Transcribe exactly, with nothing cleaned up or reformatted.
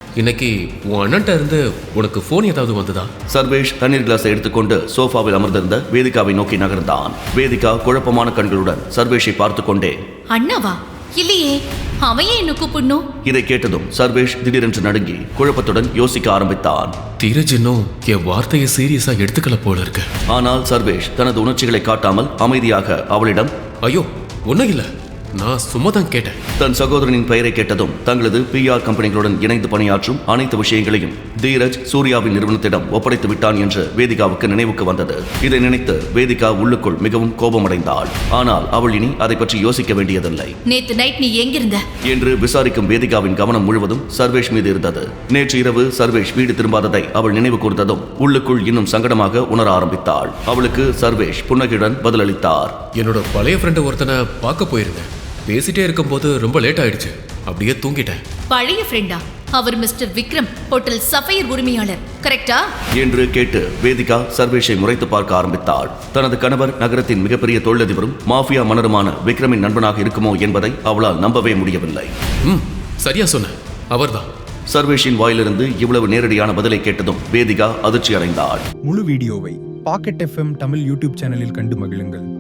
இன்னைக்கு உன் அண்ணன்ட்ட இருந்து உனக்கு ஃபோன் ஏதாவது வந்ததா? சர்வேஷ் தண்ணீர் கிளாஸை எடுத்துக்கொண்டு சோஃபாவில் அமர்ந்திருந்த வேதிகாவை நோக்கி நகர்ந்தான். வேதிகா குழப்பமான கண்களுடன் சர்வேஷை பார்த்து கொண்டே, அண்ணாவா? இல்லையே, அவையே என்ன கூப்பிடணும்? இதை கேட்டதும் சர்வேஷ் திடீரென்று நடுங்கி குழப்பத்துடன் யோசிக்க ஆரம்பித்தான். தீரஜ் இன்னும் என் வார்த்தையை சீரியஸா எடுத்துக்கல போல இருக்கு. ஆனால் சர்வேஷ் தனது உணர்ச்சிகளை காட்டாமல் அமைதியாக அவளிடம், ஐயோ ஒன்னும் இல்ல, நான் சும்மா தான் கேட்டேன். தன் சகோதரனின் பெயரை கேட்டதும் தங்களது பி ஆர் கம்பெனிகளுடன் இணைந்து பணியாற்றும் அனைத்து விஷயங்களையும் தீரஜ் சூர்யாவின் நிறுவனத்திடம் ஒப்படைத்து விட்டான் என்று வேதிகாவுக்கு நினைவுக்கு வந்தது. இதை நினைத்து வேதிகா உள்ளுக்குள் மிகவும் கோபமடைந்தாள். ஆனால் அவள் இனி அதை பற்றி யோசிக்க வேண்டியதில்லை. நேத்து நைட் நீ எங்கிருந்த என்று விசாரிக்கும் வேதிகாவின் கவனம் முழுவதும் சர்வேஷ் மீது இருந்தது. நேற்று இரவு சர்வேஷ் வீடு திரும்பாததை அவள் நினைவு கூர்ந்ததும் உள்ளுக்குள் இன்னும் சங்கடமாக உணர ஆரம்பித்தாள். அவளுக்கு சர்வேஷ் புன்னகையுடன் பதிலளித்தார். என்னோட பழைய ஃப்ரெண்டு ஒருத்தனை பார்க்க போயிருந்தேன். பேசிட்டே இருக்கும்போது ரொம்ப லேட் ஆயிடுச்சு, அப்படியே தூங்கிட்டேன். பழைய ஃப்ரெண்டா? அவர் மிஸ்டர் விக்ரம், ஹோட்டல் சஃபையர் உரிமையாளர், கரெக்டா? என்று கேட்டு வேதிகா சர்வேஷை முறைத்து பார்க்க ஆரம்பித்தாள். தனது கணவர் நகரத்தின் மிகப்பெரிய தொழிலதிபரும் மாஃபியா மன்னருமான விக்ரமின் நண்பனாக இருக்குமோ என்பதை அவளால் நம்பவே முடியவில்லை. ம், சரியா சொன்ன, அவர்தான். சர்வேஷின் வாயிலிருந்து இவ்வளவு நேரடியான பதிலை கேட்டதும் வேதிகா அதிர்ச்சி அடைந்தாள். முழு வீடியோவை பாக்கெட் எஃப்எம் தமிழ் யூடியூப் சேனலில் கண்டு மகிழுங்கள்.